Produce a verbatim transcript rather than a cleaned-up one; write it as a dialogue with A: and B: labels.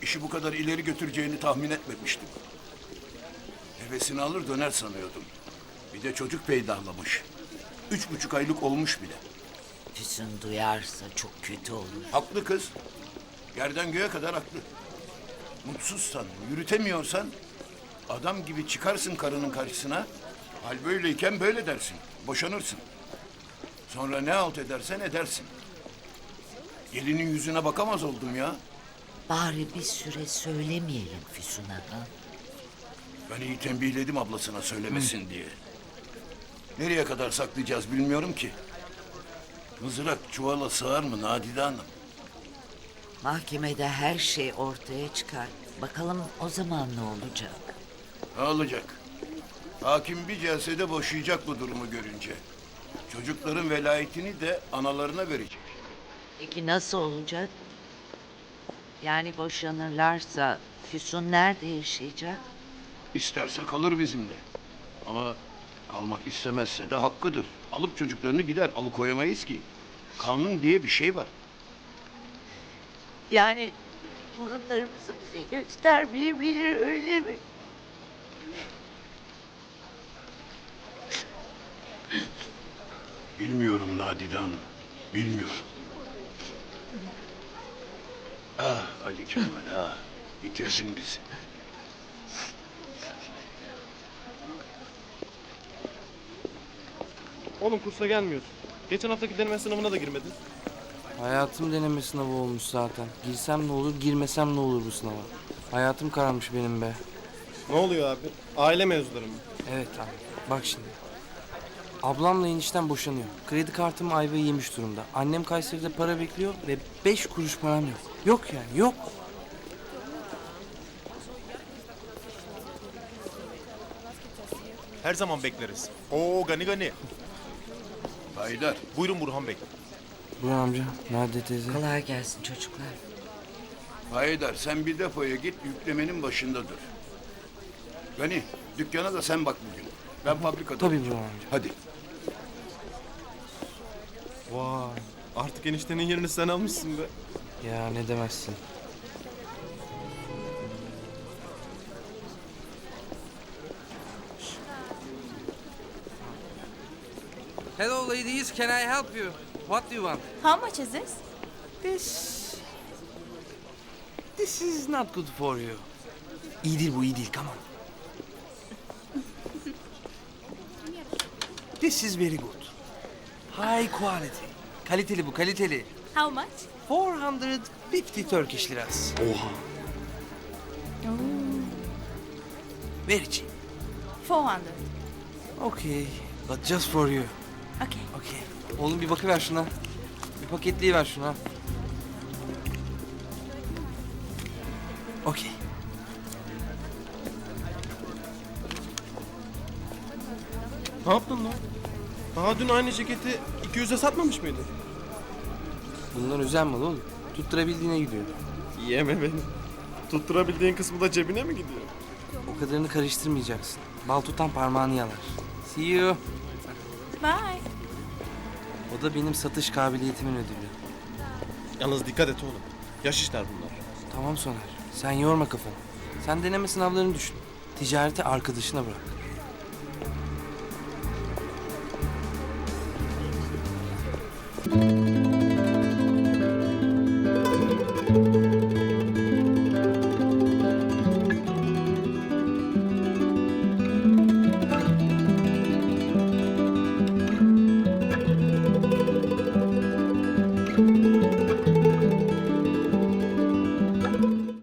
A: İşi bu kadar ileri götüreceğini tahmin etmemiştim. Hevesini alır döner sanıyordum. Bir de çocuk peydahlamış. Üç buçuk aylık olmuş bile.
B: Füsun duyarsa çok kötü olur.
A: Haklı kız. Yerden göğe kadar haklı. Mutsuzsan, yürütemiyorsan adam gibi çıkarsın karının karşısına. Hal böyleyken böyle dersin. Boşanırsın. Sonra ne halt edersen edersin. Gelinin yüzüne bakamaz oldum ya.
B: Bari bir süre söylemeyelim Füsun'a. Ha?
A: Ben iyi tembihledim ablasına söylemesin diye. Nereye kadar saklayacağız bilmiyorum ki. Mızrak çuvala sığar mı Nadide Hanım?
B: Mahkemede her şey ortaya çıkar. Bakalım o zaman ne olacak?
A: Ne olacak? Hakim bir celsede boşayacak bu durumu görünce. Çocukların velayetini de analarına verecek.
B: Peki nasıl olacak? Yani boşanırlarsa Füsun nerede yaşayacak?
A: İsterse kalır bizimle. Ama kalmak istemezse de hakkıdır. Alıp çocuklarını gider. Alıkoyamayız ki. Kanun diye bir şey var.
B: Yani torunlarımızı bize göstermeyebilir öyle mi?
A: Bilmiyorum Nadide Hanım. Bilmiyorum. Ah Ali Kemal ah. Bitirsin bizi.
C: Oğlum kursa gelmiyorsun. Geçen haftaki deneme sınavına da girmedin.
D: Hayatım deneme sınavı olmuş zaten. Girsem ne olur, girmesem ne olur bu sınava. Hayatım kararmış benim be.
C: Ne oluyor abi? Aile mevzuları mı?
D: Evet abi, bak şimdi. Ablamla enişten boşanıyor. Kredi kartım ayvayı yemiş durumda. Annem Kayseri'de para bekliyor ve beş kuruş param yok. Yok yani, yok.
E: Her zaman bekleriz. Oo gani gani.
A: Haydar.
E: Buyurun Burhan Bey.
D: Buyur amca, nerede teyze?
B: Kolay gelsin çocuklar.
A: Haydar sen bir depoya git yüklemenin başında dur. Gani dükkana da sen bak bugün. Ben fabrikada.
D: Tabii
A: olacağım.
D: Burhan amca.
A: Hadi.
C: Vay. Artık eniştenin yerini sen almışsın be.
D: Ya ne demezsin. Hello ladies, can I help you? What do you want?
F: How much is this?
D: This... This is not good for you. İyi değil bu, iyi değil. Come on. This is very good. High quality. Kaliteli bu, kaliteli.
F: How much?
D: four hundred fifty Turkish liras.
A: Oha.
D: Very cheap.
F: four hundred.
D: Okay, but just for you.
F: Okay.
D: Okay. Oğlum bir bakıver şuna. Bir paketleyiver şuna. Okay.
C: Ne yaptın lan? Daha dün aynı ceketi iki yüze satmamış mıydın?
D: Bunlar özel mal oğlum. Tutturabildiğine gidiyor.
C: Yeme beni. Tutturabildiğin kısmı da cebine mi gidiyor?
D: O kadarını karıştırmayacaksın. Bal tutan parmağını yalar. See you.
F: Bye.
D: O da benim satış kabiliyetimin ödülü.
C: Yalnız dikkat et oğlum. Yaş işler bunlar.
D: Tamam Soner. Sen yorma kafanı. Sen deneme sınavlarını düşün. Ticareti arkadaşına bırak.